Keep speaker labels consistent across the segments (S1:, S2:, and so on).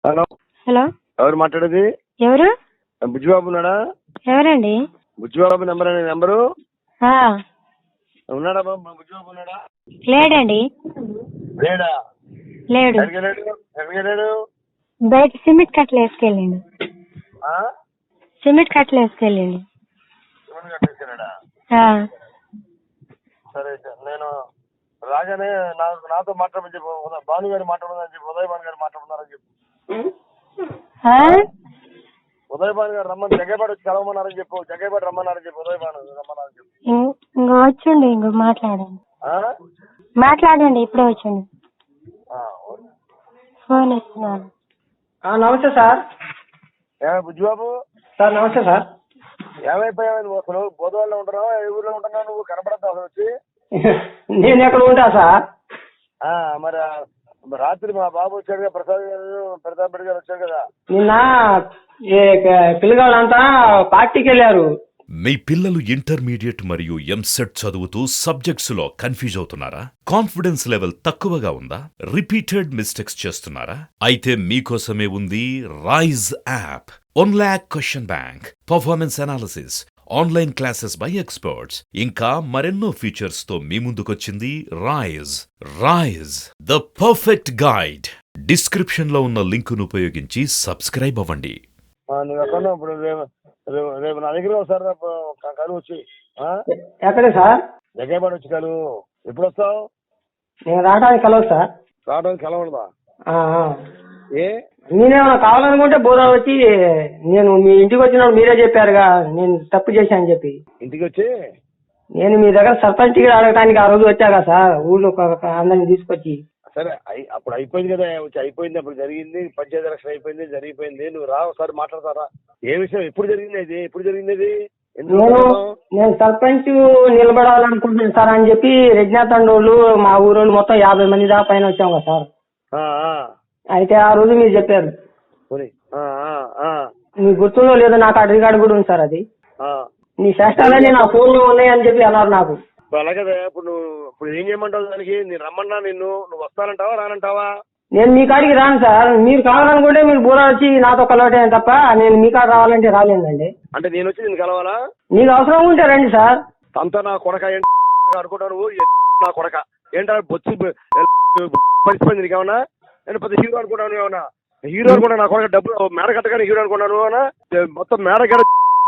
S1: Hello
S2: hello,
S1: ఎవరు మాట్లాడేది?
S2: ఎవరు?
S1: బుజ్జిబాబు ఉన్నాడా?
S2: ఎవరండి?
S1: బుజ్జిబాబు నెంబరు
S2: ఆ,
S1: ఉన్నాడా బాబు? బుజ్జిబాబు ఉన్నాడా?
S2: లేడండి.
S1: లేడా?
S2: లేడు.
S1: ఎక్కడికి వెళ్ళాడు?
S2: బయట సిమెంట్ కట్టలు వేసుకెళ్ళండి. సిమెంట్ కట్టలు వేసుకెళ్ళండి.
S1: కట్టేసాడా? సరే నేను రాగానే నాతో మాట్లాడమని చెప్పు. భాను గారు మాట్లాడమని చెప్పు. ఉదయ్ భాను గారు మాట్లాడుతున్నారని చెప్పు. ఉదయ్ భాను గారు రమ్మని జగ్గేపాటి వచ్చి కలవమన్నారని చెప్పు. జగ్గేపాటి రమ్మన్నారని చెప్పు. ఉదయ్ భాను రమ్మన్నారని చెప్పు.
S2: ఇంకో వచ్చండి. ఇంకో మాట్లాడండి. ఇప్పుడే వచ్చండి. ఫోన్ ఇస్తున్నాను.
S3: నమస్తే సార్.
S1: బుజ్జిబాబు
S3: సార్ నమస్తే సార్.
S1: ఏమైపోయావు నువ్వు? అసలు బోధవాళ్ళలో ఉంటున్నావు? ఏ ఊర్లో ఉంటున్నావు? నువ్వు కనపడద్దు అసలు వచ్చి.
S3: నేను ఎక్కడ ఉంటా సార్?
S1: మరి రాత్రి మా బాబు వచ్చాడు కదా, ప్రతాప్ రెడ్డి గారు వచ్చాడు కదా.
S3: నిన్న పిల్లగాళ్ళంతా పార్టీకి వెళ్ళారు.
S4: మీ పిల్లలు ఇంటర్మీడియట్ మరియు ఎంసెట్ చదువుతూ సబ్జెక్ట్స్ లో కన్ఫ్యూజ్ అవుతున్నారా? కాన్ఫిడెన్స్ లెవెల్ తక్కువగా ఉందా? రిపీటెడ్ మిస్టేక్స్ చేస్తున్నారా? అయితే మీకోసమే ఉంది Raise app. 1 lakh question bank, performance analysis, online classes by experts, ఇంకా మరెన్నో ఫీచర్స్ తో మీ ముందుకొచ్చింది Raise the perfect guide. Description లో ఉన్న లింకును ఉపయోగించి సబ్స్క్రైబ్ అవ్వండి.
S1: నువ్వు ఎక్కడ ఇప్పుడు రేపు నా దగ్గర ఒకసారి కలువు వచ్చి.
S3: ఎక్కడే సార్?
S1: జగ్గేపాటి వచ్చి కలువు. ఎప్పుడు వస్తావు?
S3: నేను రావడానికి కలవదు సార్.
S1: రావడానికి కలవడదా? ఏ
S3: నేనేమన్నా కావాలనుకుంటే బోధ వచ్చి, నేను మీ ఇంటికి వచ్చినప్పుడు మీరే చెప్పారుగా నేను తప్పు చేశానని చెప్పి.
S1: ఇంటికి వచ్చి
S3: నేను మీ దగ్గర సర్పంచ్ టికెట్ అడగటానికి ఆ రోజు వచ్చాగా సార్, ఊళ్ళో అందరిని తీసుకొచ్చి.
S1: సరే అప్పుడు అయిపోయింది కదా, వచ్చి అయిపోయింది. అప్పుడు జరిగింది, పంచాయతీ ఎలక్షన్ అయిపోయింది, జరిగిపోయింది. నువ్వు రా ఒకసారి మాట్లాడతారా? ఏ విషయం? ఎప్పుడు జరిగింది ఇది? ఎప్పుడు జరిగింది ఇది?
S3: నేను సర్పంచ్ నిలబడాలనుకుంటున్నాను సార్ అని చెప్పి రెడ్నాథండోళ్ళు మా ఊరోళ్ళు మొత్తం 50 మంది దాకా పైన వచ్చాం కదా సార్. అయితే ఆ రోజు మీరు చెప్పారు. మీకు గుర్తుందో లేదో నాకు ఆ రికార్డు కూడా ఉంది సార్. అది నీ శాస్త్రాలన్నీ నా ఫోన్ లో ఉన్నాయని చెప్పి అన్నారు నాకు.
S1: అలాగే ఇప్పుడు ఏం చేయమంటావు దానికి? నేను రమ్మన్నా నువ్వు వస్తానంటావా రానంటావా?
S3: నేను మీ కాడికి రాను సార్. మీరు కావాలనుకుంటే మీరు బూర వచ్చి నాతో కలవటే తప్ప నేను మీ కాడ రావాలంటే రాలేదండి.
S1: అంటే నేను వచ్చి నేను కలవాలా?
S3: మీకు అవసరం ఉంటే రండి సార్.
S1: అంతా నా కొడక అనుకుంటాను. నా కొడక ఏంటో బొచ్చి పరిస్థితి నీకేమన్నా? నేను పెద్ద హీరో అనుకుంటాను. ఏమన్నా హీరో అనుకున్నా? నా కొడక డబ్బులు మేడ కట్టగానే హీరో అనుకున్నాను అన్నా. మొత్తం మేడ కట్ట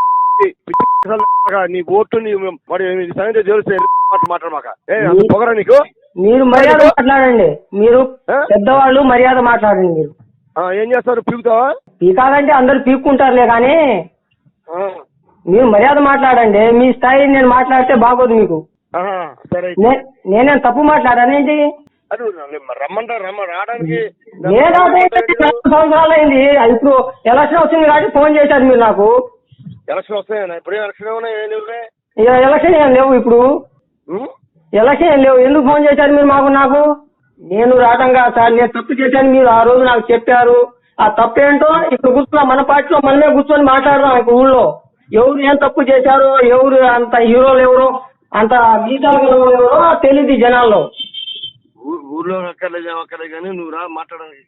S1: నీ ఓటు సంగతి తెలిస్తే మాట్లాడమాక. పొగరా నీకు?
S3: మీరు మర్యాద మాట్లాడండి. మీరు పెద్దవాళ్ళు మర్యాద మాట్లాడండి. మీరు
S1: ఏం చేస్తారు? పీకుతావా?
S3: పీకాలంటే అందరు పీక్కుంటారులే కానీ మీరు మర్యాద మాట్లాడండి. మీ స్థాయి నేను మాట్లాడితే బాగోదు మీకు.
S1: సరే
S3: నేనేం తప్పు మాట్లాడానేంటి?
S1: రావడానికి
S3: 4 సంవత్సరాలు అయింది. ఇప్పుడు ఎలక్షన్ వచ్చింది కాబట్టి ఫోన్ చేశారు మీరు నాకు.
S1: ఎలక్షన్ వస్తాయన్నా? ఇప్పుడు ఎలక్షన్
S3: ఎలక్షన్ ఏం లేవు. ఇప్పుడు ఎలక్షన్ ఏం లేవు. ఎందుకు ఫోన్ చేశారు మీరు నాకు? నేను రావటంగా సార్ నేను తప్పు చేశాను. మీరు ఆ రోజు నాకు చెప్పారు. ఆ తప్పు ఏంటో ఇప్పుడు కూర్చున్నా మన పార్టీలో మనమే కూర్చొని మాట్లాడదాం. ఇప్పుడు ఊళ్ళో ఎవరు ఏం తప్పు చేశారో, ఎవరు అంత హీరోలు ఎవరో, అంత గీతాలు ఎవరో తెలియదు జనాల్లో.
S1: ఊర్లో అక్కర్లేదు కానీ నువ్వు రా మాట్లాడాలి.